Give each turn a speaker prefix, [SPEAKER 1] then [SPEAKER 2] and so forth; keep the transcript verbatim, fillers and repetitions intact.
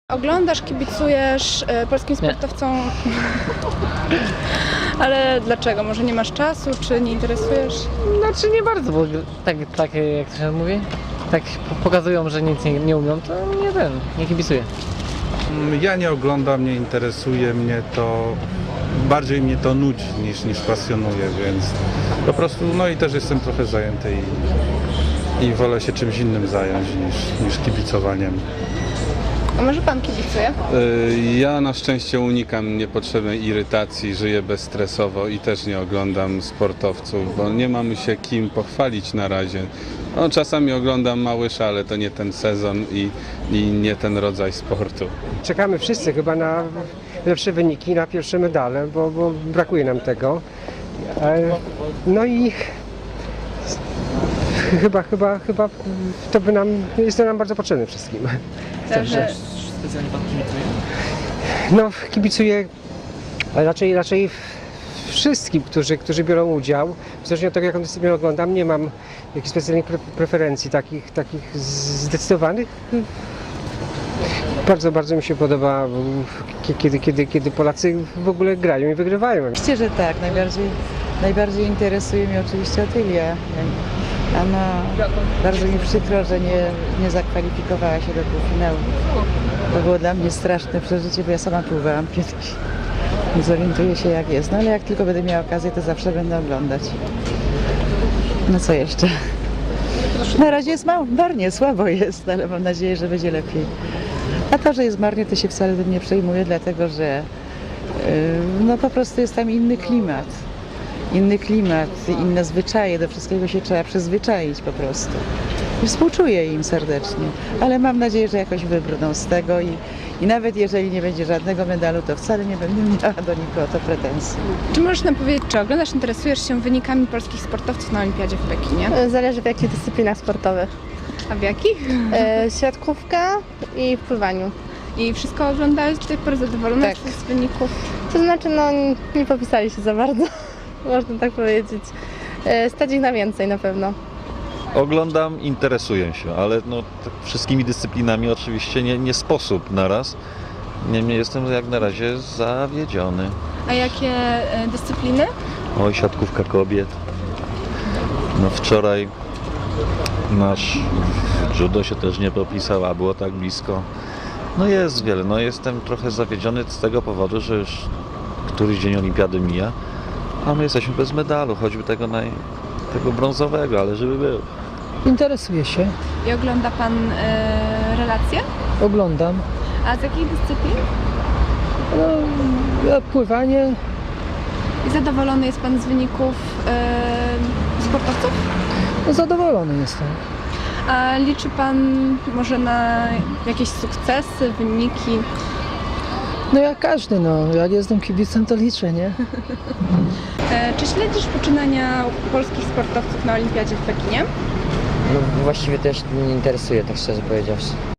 [SPEAKER 1] Oglądasz, kibicujesz y, polskim sportowcom, ale dlaczego? Może nie masz czasu, czy nie interesujesz?
[SPEAKER 2] Znaczy nie bardzo, bo tak, tak jak to się mówi, tak pokazują, że nic nie, nie umią, to nie ten, nie kibicuję.
[SPEAKER 3] Ja nie oglądam, nie interesuje mnie to, bardziej mnie to nudzi niż, niż pasjonuje, więc po prostu, no i też jestem trochę zajęty i, i wolę się czymś innym zająć niż, niż kibicowaniem.
[SPEAKER 1] A może pan kibicuje?
[SPEAKER 4] Y, Ja na szczęście unikam niepotrzebnej irytacji, żyję bezstresowo i też nie oglądam sportowców, bo nie mamy się kim pochwalić na razie. No, czasami oglądam Małysza, ale to nie ten sezon i, i nie ten rodzaj sportu.
[SPEAKER 5] Czekamy wszyscy chyba na lepsze wyniki, na pierwsze medale, bo, bo brakuje nam tego. E, No i chyba, chyba, chyba to by nam, jest to nam bardzo potrzebne wszystkim.
[SPEAKER 1] Także
[SPEAKER 2] Specjalnie pan kibicuje?
[SPEAKER 5] No, kibicuję raczej, raczej wszystkim, którzy, którzy biorą udział. Zależnie od tego, jaką dyscyplinę oglądam, nie mam jakichś specjalnych pre preferencji takich, takich zdecydowanych. Bardzo, bardzo mi się podoba, kiedy, kiedy, kiedy Polacy w ogóle grają i wygrywają.
[SPEAKER 6] Oczywiście, że tak. Najbardziej, najbardziej interesuje mnie oczywiście Otylia. Ona bardzo mi przykro, że nie, nie zakwalifikowała się do półfinału. To było dla mnie straszne przeżycie, bo ja sama pływałam kiedyś. Nie zorientuję się jak jest. No ale jak tylko będę miała okazję, to zawsze będę oglądać. No co jeszcze? Na razie jest mało, marnie, słabo jest, ale mam nadzieję, że będzie lepiej. A to, że jest marnie, to się wcale tym nie przejmuję, dlatego że yy, no po prostu jest tam inny klimat. Inny klimat, inne zwyczaje, do wszystkiego się trzeba przyzwyczaić po prostu. I współczuję im serdecznie, ale mam nadzieję, że jakoś wybrną z tego i, i nawet jeżeli nie będzie żadnego medalu, to wcale nie będę miała do nikogo o to pretensji.
[SPEAKER 1] czy możesz nam powiedzieć, czy oglądasz, interesujesz się wynikami polskich sportowców na Olimpiadzie w Pekinie?
[SPEAKER 7] Zależy w jakich dyscyplinach sportowych.
[SPEAKER 1] A w jakich?
[SPEAKER 7] E, siatkówka i w pływaniu.
[SPEAKER 1] I wszystko oglądałeś do tej pory, zadowolona
[SPEAKER 7] Tak.
[SPEAKER 1] jesteś z wyników?
[SPEAKER 7] To znaczy, no nie popisali się za bardzo, można tak powiedzieć. E, stać ich na więcej na pewno.
[SPEAKER 8] Oglądam, interesuję się, ale no, tak wszystkimi dyscyplinami oczywiście nie, nie sposób naraz. Niemniej jestem jak na razie zawiedziony.
[SPEAKER 1] A jakie e, dyscypliny?
[SPEAKER 8] Oj, siatkówka kobiet. No wczoraj nasz judo się też nie popisał, a było tak blisko. No jest wiele, no jestem trochę zawiedziony z tego powodu, że już któryś dzień olimpiady mija, a my jesteśmy bez medalu, choćby tego, naj, tego brązowego, ale żeby był.
[SPEAKER 9] Interesuję się,
[SPEAKER 1] I ogląda pan e, relacje?
[SPEAKER 9] oglądam.
[SPEAKER 1] A z jakich dyscyplin?
[SPEAKER 9] No, ja pływanie,
[SPEAKER 1] I zadowolony jest pan z wyników e, sportowców?
[SPEAKER 9] no zadowolony jestem.
[SPEAKER 1] A liczy pan może na jakieś sukcesy, wyniki?
[SPEAKER 9] No jak każdy, no, jak jestem kibicem, to liczę, nie?
[SPEAKER 1] E, czy śledzisz poczynania polskich sportowców na Olimpiadzie w Pekinie?
[SPEAKER 2] No właściwie też mnie nie interesuje, tak szczerze powiedziawszy.